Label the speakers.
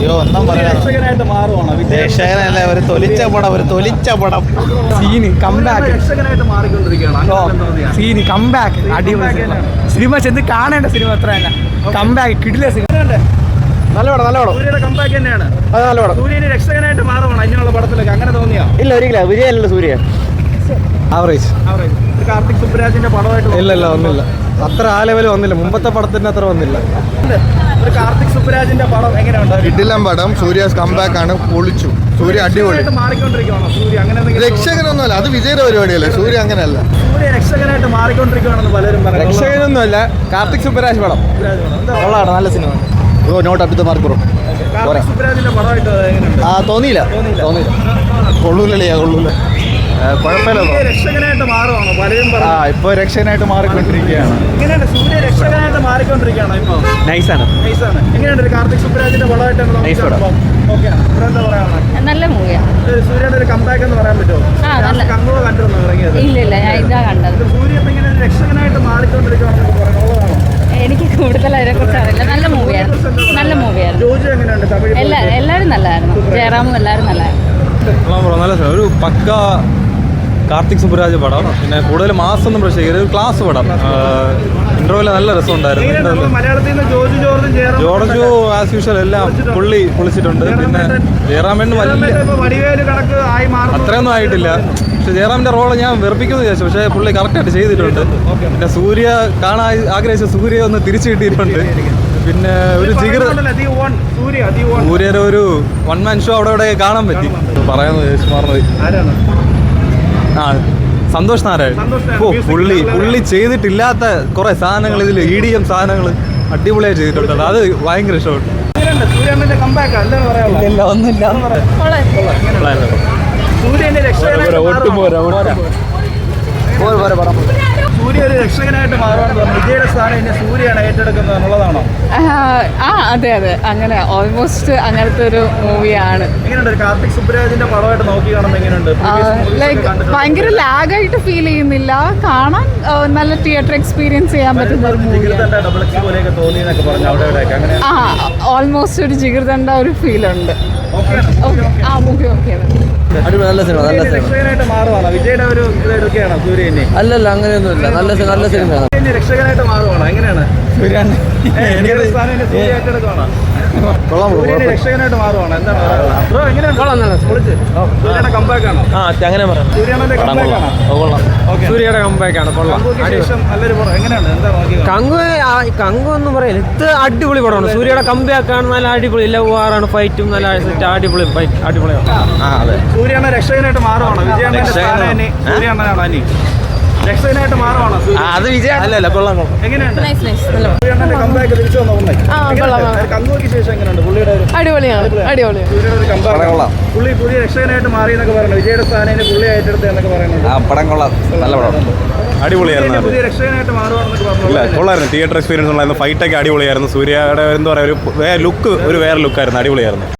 Speaker 1: അയ്യോ ഒന്നും പറയാം.
Speaker 2: രക്ഷകനായിട്ട് മാറുവാണോ?
Speaker 1: രക്ഷകനല്ല, ഒരു തൊലിച്ച പടം.
Speaker 3: Scene comeback.
Speaker 2: രക്ഷകനായിട്ട് മാറിക്കൊണ്ടിരിക്കുകയാണ്.
Speaker 3: സീന് കംബാക്ക് അടിപൊളി സിനിമ ചെന്ന് കാണേണ്ട സിനിമ അത്ര തന്നെ. കംബാക്ക് കിടില സിനിമ.
Speaker 1: നല്ല പടം.
Speaker 2: സൂര്യയുടെ കംബാക്ക് തന്നെയാണ്.
Speaker 1: അത് നല്ല പടം.
Speaker 2: സൂര്യന് രക്ഷകനായിട്ട് മാറുവാണ് ഇങ്ങനെയുള്ള പടത്തിലൊക്കെ, അങ്ങനെ തോന്നിയാ?
Speaker 1: ഇല്ല, ഒരിക്കലും വിജയല്ലോ സൂര്യ. ആവറേജ്.
Speaker 2: കാർത്തിക് സുബ്രാജിന്റെ പടമായിട്ട്
Speaker 1: ഇല്ല ഒന്നുമില്ല, അത്ര ആ ലെവൽ വന്നില്ല. മുമ്പത്തെ പടത്തിന്റെ അത്ര വന്നില്ല.
Speaker 2: ഒരു കാർത്തിക് സുബ്രാജിന്റെ പടം എങ്ങനെയുണ്ട്?
Speaker 4: കിടിലം പടം. സൂര്യാസ് കംബാക്ക് ആണ്, പൊളിച്ചു. സൂര്യ അടിപൊളി.
Speaker 2: മാറിക്കൊണ്ടിരിക്കുകയാണോ സൂര്യ? അങ്ങനെ
Speaker 4: രക്ഷകനൊന്നുമല്ല, അത് വിജയുടെ പരിപാടിയല്ലേ. സൂര്യ അങ്ങനെയല്ല.
Speaker 2: സൂര്യ രക്ഷകനായിട്ട് മാറിക്കൊണ്ടിരിക്കുകയാണെന്ന് പലരും പറയുന്നു.
Speaker 1: രക്ഷകനൊന്നുമല്ല, കാർത്തിക് സുബ്രാജ് പടം. കൊള്ളാണ്, നല്ല cinema. Not up to mark bro.
Speaker 2: Karthik സുബ്രാജിന്റെ പടമായിട്ട് എങ്ങനെയുണ്ട്?
Speaker 1: തോന്നിയില്ല. കൊള്ളൂലേ? കുഴപ്പമില്ല.
Speaker 2: രക്ഷകനായിട്ട് മാറുവാണോ? പലരും
Speaker 1: ഇപ്പൊ രക്ഷകനായിട്ട് മാറിക്കൊണ്ടിരിക്കുകയാണ്.
Speaker 2: എങ്ങനെയുണ്ട് സൂര്യ രക്ഷകനായിട്ട് മാറിക്കൊണ്ടിരിക്കുകയാണോ ഇപ്പൊ?
Speaker 1: നൈസാണ്.
Speaker 2: എങ്ങനെയുണ്ട് കാർത്തിക് സുബ്രാജിന്റെ പടമായിട്ട്? എന്താ പറയാ?
Speaker 5: നല്ല മൂവിയാണ്.
Speaker 2: സൂര്യയുടെ ഒരു കംബാക്ക് എന്ന് പറയാൻ പറ്റുമോ? കണ്ണൂർ കണ്ടിരുന്നു ഇറങ്ങിയത്?
Speaker 5: ഇല്ല, ഞാൻ ഇതാ കണ്ടത്.
Speaker 2: സൂര്യ ഇപ്പൊ ഇങ്ങനെ രക്ഷകനായിട്ട് മാറിക്കൊണ്ടിരിക്കുകയാണെന്ന് പറയുന്നുള്ളതാണോ?
Speaker 5: എനിക്ക് കൂടുതൽ അതിനെ കുറിച്ച് അറിയില്ല. നല്ല മൂവിയായിരുന്നു.
Speaker 2: ജോജു എങ്ങനെയുണ്ട്? തമിഴ്
Speaker 5: എല്ലാവരും നല്ലതായിരുന്നു. ജയറാമും എല്ലാവരും നല്ലതായിരുന്നു.
Speaker 6: നല്ല ഒരു പക്ക കാർത്തിക് സുബ്രാജ് പടം. പിന്നെ കൂടുതൽ മാസൊന്നും പ്രശ്നം, ഒരു ക്ലാസ് പടം. ഇന്റർവ്യൂല് നല്ല രസമുണ്ടായിരുന്നു.
Speaker 2: മലയാളത്തിൽ നിന്ന്
Speaker 6: ജോർജു ആസ് യൂഷ്വൽ എല്ലാം പൊളിച്ചിട്ടുണ്ട്. പിന്നെ ജയറാമിന് അത്രയൊന്നും ആയിട്ടില്ല. പക്ഷെ ജയറാമിന്റെ റോള് ഞാൻ വെറുപ്പിക്കുമെന്ന് വിചാരിച്ചു, പക്ഷേ പുള്ളി കറക്റ്റായിട്ട് ചെയ്തിട്ടുണ്ട്. പിന്നെ സൂര്യ കാണാൻ ആഗ്രഹിച്ച സൂര്യ ഒന്ന് തിരിച്ചു കിട്ടിയിട്ടുണ്ട്. പിന്നെ ഒരു സൂര്യയുടെ ഒരു വൺ മാൻ ഷോ അവിടെ കാണാൻ പറ്റി. പറയാന്ന് സന്തോഷ് നാരായൺ. പുള്ളി ചെയ്തിട്ടില്ലാത്ത കുറെ സാധനങ്ങൾ ഇതിൽ EDM സാധനങ്ങൾ അടിപൊളിയായി ചെയ്തിട്ടുണ്ട്. അത് ഭയങ്കര ഇഷ്ടപ്പെട്ടു.
Speaker 2: സൂര്യ ഒരു രക്ഷകനായിട്ട് മാറുകയാണെന്ന് പറഞ്ഞു. വിജയുടെ സ്ഥാനം ഇനി സൂര്യയാണ് ഏറ്റെടുക്കുന്നത് എന്നുള്ളതാണോ?
Speaker 5: അതെ, അങ്ങനെ ഓൾമോസ്റ്റ് അങ്ങനത്തെ ഒരു മൂവിയാണ്.
Speaker 2: എങ്ങനെയുണ്ട് കാർത്തിക് സുബ്രാജിന്റെ പടമായിട്ട് നോക്കി കാണുമ്പോൾ എങ്ങനെയുണ്ട്?
Speaker 5: ഭയങ്കര ലാഗായിട്ട് ഫീൽ ചെയ്യുന്നില്ല. കാണാൻ നല്ല തിയേറ്റർ എക്സ്പീരിയൻസ് ചെയ്യാൻ പറ്റുന്ന ഒരു മൂവിയാണ്. ഓൾമോസ്റ്റ് ഒരു ജിഗർദണ്ഡ ഒരു ഫീൽ ഉണ്ട്. മൂവി ഓക്കെയാണ്.
Speaker 1: നല്ല സിനിമ.
Speaker 2: രക്ഷകനായിട്ട് മാറുവാണോ? വിജയുടെ ഒരു ഇതെടുക്കുകയാണോ സൂര്യനെ?
Speaker 1: അല്ലല്ല, അങ്ങനെയൊന്നുമില്ല. നല്ല സിനിമയാണ്.
Speaker 2: രക്ഷകനായിട്ട് മാറുവാണോ? എങ്ങനെയാണ്? രക്ഷകനായിട്ട് മാറുവാണോ? എന്താണ് കംബാക്ക് ആണോ?
Speaker 1: അങ്ങനെ പറയാം.
Speaker 3: സൂര്യയുടെ കംബാക്കാണ്. കങ്കു എന്ന് പറയില്ല, ഇത് അടിപൊളി പടമാണ്. സൂര്യയുടെ കംബാക്കാണ്. നല്ല അടിപൊളി ലവാറാണ്, ഫൈറ്റും നല്ല അടിപൊളി ഫൈറ്റ്, അടിപൊളിയാണ്.
Speaker 2: സൂര്യയുടെ രക്ഷകനായിട്ട് മാറുവാണോ? വിജയണ്ണ സൂര്യണ്ണനാണോ ഇനി രക്ഷകനായിട്ട് മാറുവാണോ?
Speaker 1: അത് വിജയ അല്ലല്ല, കൊള്ളാം.
Speaker 2: എങ്ങനെയുണ്ട് സൂര്യണ്ണന്റെ കംബാക്ക് തിരിച്ചു വന്ന കങ്കുക്ക് ശേഷം എങ്ങനെയുണ്ട് പുള്ളിയുടെ?
Speaker 5: അടിപൊളിയാണ്.
Speaker 2: സൂര്യയുടെ ഒരു കംബാക്ക്. പുതിയ രക്ഷകനായിട്ട് മാറി എന്നൊക്കെ പറയുന്നത്. വിജയുടെ സ്ഥാനം പുള്ളി ഏറ്റെടുത്ത് എന്നൊക്കെ പറയുന്നത്.
Speaker 1: പടം കൊള്ളാം, നല്ല പടം.
Speaker 6: അടിപൊളിയായിരുന്നു.
Speaker 2: പുതിയ രക്ഷകനായിട്ട് മാറുവാണെന്നൊക്കെ പറഞ്ഞു.
Speaker 6: കൊള്ളായിരുന്നു. തിയേറ്റർ എക്സ്പീരിയൻസ് ഉണ്ടായിരുന്നു. ഫൈറ്റൊക്കെ അടിപൊളിയായിരുന്നു. സൂര്യയുടെ എന്താ പറയുക, ഒരു വേറെ ലുക്കായിരുന്നു. അടിപൊളിയായിരുന്നു.